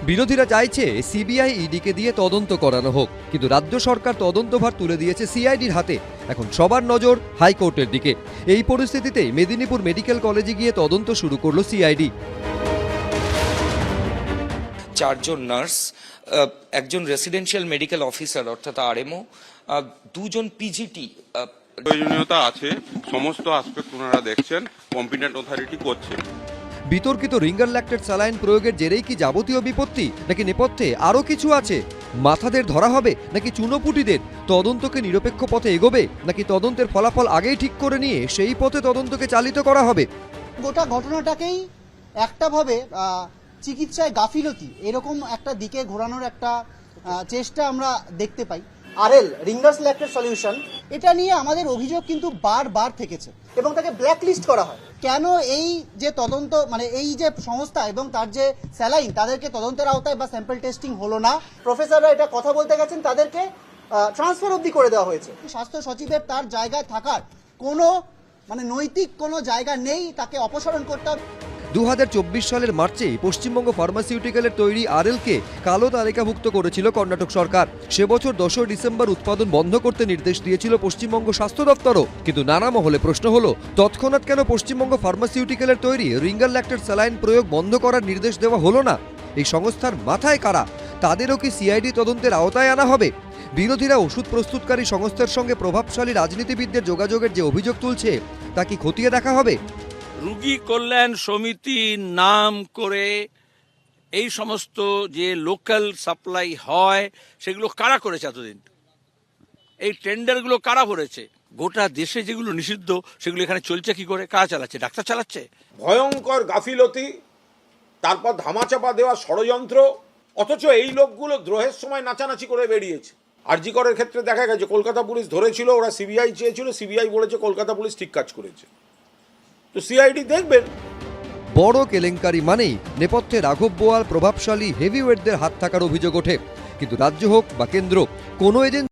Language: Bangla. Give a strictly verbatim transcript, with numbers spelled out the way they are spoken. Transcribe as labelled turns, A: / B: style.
A: বিরোধীরা চাইছে সিবিআই ইডিকে দিয়ে তদন্ত করানো হোক, কিন্তু রাজ্য সরকার তদন্তভার তুলে দিয়েছে সিআইডির হাতে। এখন সবার নজর হাইকোর্টের দিকে। এই পরিস্থিতিতেই মেদিনীপুর মেডিকেল কলেজে গিয়ে তদন্ত শুরু করলো সিআইডি।
B: চারজন নার্স, একজন রেসিডেন্সিয়াল মেডিকেল অফিসার অর্থাৎ আরএমও, দুজন পিজিটি।
C: প্রয়োজনীয়তা আছে, সমস্ত আসপেক্ট ওনারা দেখছেন, কম্পিটেন্ট অথরিটি করছে।
A: বিতর্কিত রিঙ্গার ল্যাক্টেট স্যালাইন প্রয়োগের জেরেই কি যাবতীয় বিপত্তি, নাকি নেপথ্যে আরও কিছু আছে? মাথাদের ধরা হবে নাকি চুনোপুটিদের? তদন্তকে নিরপেক্ষ পথে এগোবে নাকি তদন্তের ফলাফল আগেই ঠিক করে নিয়ে সেই পথে তদন্তকে চালিত করা হবে?
D: গোটা ঘটনাটাকেই একটাভাবে চিকিৎসায় গাফিলতি এরকম একটা দিকে ঘোরানোর একটা চেষ্টা আমরা দেখতে পাই। আরএল রিঙ্গার্স ল্যাক্টেট সলিউশন, এটা নিয়ে আমাদের অভিযোগ কিন্তু বারবার থেকেছে এবং তাকে ব্ল্যাকলিস্ট করা হয়। কেন এই যে তদন্ত মানে এই যে সংস্থা এবং তার যে স্যালাইন, তাদেরকে তদন্তের আওতায় বা স্যাম্পল টেস্টিং হলো না? প্রফেসররা এটা কথা বলতে গেছেন, তাদেরকে ট্রান্সফার অবধি করে দেওয়া হয়েছে। স্বাস্থ্য সচিবের তার জায়গায় থাকার কোনো মানে নৈতিক কোনো জায়গা নেই, তাকে অপসারণ করতে হবে।
A: দু হাজার চব্বিশ সালের মার্চে পশ্চিমবঙ্গ ফার্মাসিউটিক্যালের তৈরি আরএলকে কালো তালিকাভুক্ত করেছিল কর্ণাটক সরকার। সে বছর দশই ডিসেম্বর উৎপাদন বন্ধ করতে নির্দেশ দিয়েছিল পশ্চিমবঙ্গ স্বাস্থ্য দপ্তরও। কিন্তু নানা মহলে প্রশ্ন হলো, তৎক্ষণাৎ কেন পশ্চিমবঙ্গ ফার্মাসিউটিক্যালের তৈরি রিঙ্গার ল্যাক্টেট স্যালাইন প্রয়োগ বন্ধ করার নির্দেশ দেওয়া হলো না? এই সংস্থার মাথায় কারা? তাদেরও কি সিআইডি তদন্তের আওতায় আনা হবে? বিরোধীরা ওষুধ প্রস্তুতকারী সংস্থার সঙ্গে প্রভাবশালী রাজনীতিবিদদের যোগাযোগের যে অভিযোগ তুলছে, তা কি খতিয়ে দেখা হবে?
E: রোগী কল্যাণ সমিতির নাম করে এই সমস্ত যে লোকাল সাপ্লাই হয় সেগুলো কারা করেছে এতদিন? এই টেন্ডারগুলো কারা ভরেছে? গোটা দেশে যেগুলো নিষিদ্ধ সেগুলো এখানে চলছে কি করে? কারা চালাচ্ছে? ডাক্তার চালাচ্ছে?
F: ভয়ঙ্কর গাফিলতি, তারপর ধামাচাপা দেওয়া ষড়যন্ত্র, অথচ এই লোকগুলো দ্রোহের সময় নাচানাচি করে বেরিয়েছে। আরজি করের ক্ষেত্রে দেখা গেছে কলকাতা পুলিশ ধরেছিল, ওরা সিবিআই চেয়েছিল, সিবিআই বলেছে কলকাতা পুলিশ ঠিক কাজ করেছে। তো সিআইডি দেখবেন।
A: বড় কেলেঙ্কারি মানেই নেপথ্যে রাঘব বোয়াল প্রভাবশালী হেভিওয়েটদের হাত থাকার অভিযোগ ওঠে। কিন্তু রাজ্য হোক বা কেন্দ্র, কোনো এজেন্সি